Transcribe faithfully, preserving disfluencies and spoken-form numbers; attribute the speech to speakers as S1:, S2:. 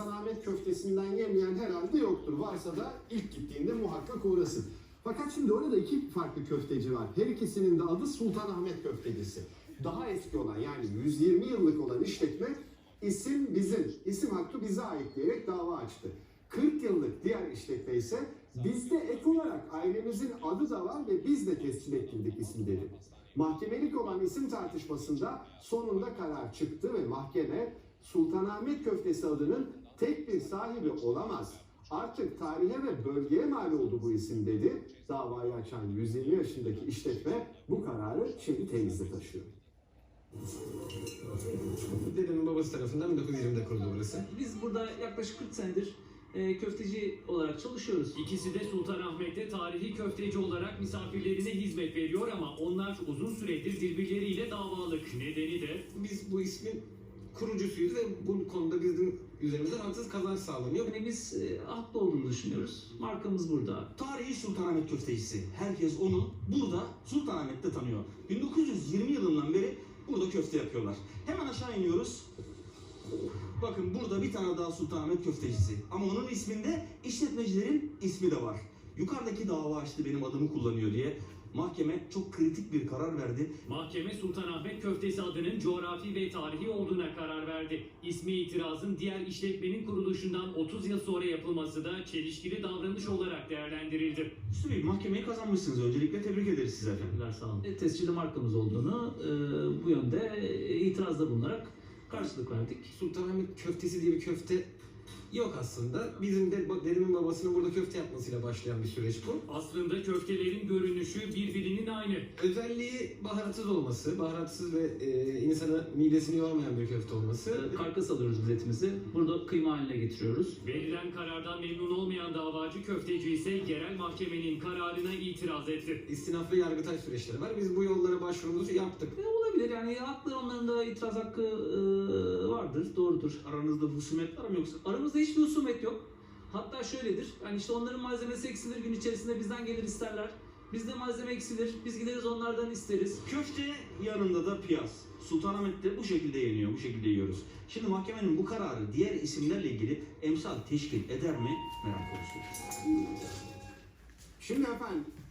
S1: Sultanahmet köftesinden yemeyen herhalde yoktur. Varsa da ilk gittiğinde muhakkak uğrasın. Fakat şimdi orada iki farklı köfteci var. Her ikisinin de adı Sultanahmet köftecisi. Daha eski olan, yani yüz yirmi yıllık olan işletme isim bizim, isim hakkı bize ait diyerek dava açtı. kırk yıllık diğer işletme ise bizde ek olarak ailemizin adı da var ve biz de tescil ettirdik isimleri. Mahkemelik olan isim tartışmasında sonunda karar çıktı ve mahkeme Sultanahmet köftesi adının tek bir sahibi olamaz, artık tarihe ve bölgeye mal oldu bu isim dedi. Davayı açan yüz yirmi yaşındaki işletme bu kararı şimdi temizle taşıyor.
S2: Dedemin babası tarafından bin dokuz yüz yirmide kuruldu burası.
S3: Biz burada yaklaşık kırk senedir e, köfteci olarak çalışıyoruz.
S4: İkisi de Sultanahmet'te tarihi köfteci olarak misafirlerine hizmet veriyor ama onlar uzun süredir birbirleriyle davalık. Nedeni de
S2: Biz bu ismin kurucusuyuz ve bu konuda bizim üzerimizden haksız kazanç sağlanıyor.
S3: Yani biz e, haklı olduğunu düşünüyoruz. Markamız burada.
S5: Tarihi Sultanahmet köftecisi. Herkes onu burada Sultanahmet'te tanıyor. bin dokuz yüz yirmi yılından beri burada köfte yapıyorlar. Hemen aşağı iniyoruz. Bakın burada bir tane daha Sultanahmet köftecisi. Ama onun isminde işletmecilerin ismi de var. Yukarıdaki dava açtı benim adımı kullanıyor diye. Mahkeme çok kritik bir karar verdi.
S4: mahkeme Sultanahmet köftesi adının coğrafi ve tarihi olduğuna karar verdi. İsmi itirazın diğer işletmenin kuruluşundan otuz yıl sonra yapılması da çelişkili davranış olarak değerlendirildi.
S5: Üstü Bey, mahkemeyi kazanmışsınız. Öncelikle tebrik ederiz size efendim.
S3: Teşekkürler, sağ olun. E, tescilli markamız olduğunu e, bu yönde e, itirazda bulunarak karşılık verdik.
S2: Sultanahmet köftesi diye bir köfte yok aslında. Bizim de dedemin babasının burada köfte yapmasıyla başlayan bir süreç bu.
S4: Aslında köftelerin görünüşü birbirinin aynı.
S2: Özelliği baharatsız olması, baharatsız ve e, insana midesini yormayan bir köfte olması.
S3: E, karkas alıyoruz biz etimizi. Burada kıyma haline getiriyoruz.
S4: Verilen karardan memnun olmayan davacı köfteci ise yerel mahkemenin kararına itiraz etti.
S2: İstinaf ve yargıtay süreçleri var. Biz bu yollara başvurumuzu yaptık.
S3: E, olabilir yani haklı, onların da itiraz hakkı e, vardır, doğrudur.
S5: Aranızda husumet var mı yoksa?
S3: Aramızda hiçbir husumet yok. Hatta şöyledir, hani işte onların malzemesi eksilir, gün içerisinde bizden gelir isterler. Bizde malzeme eksilir, biz gideriz onlardan isteriz.
S5: Köfte yanında da piyaz. Sultanahmet'te bu şekilde yeniyor, bu şekilde yiyoruz. Şimdi mahkemenin bu kararı diğer isimlerle ilgili emsal teşkil eder mi? Merak konusu.
S1: Şimdi efendim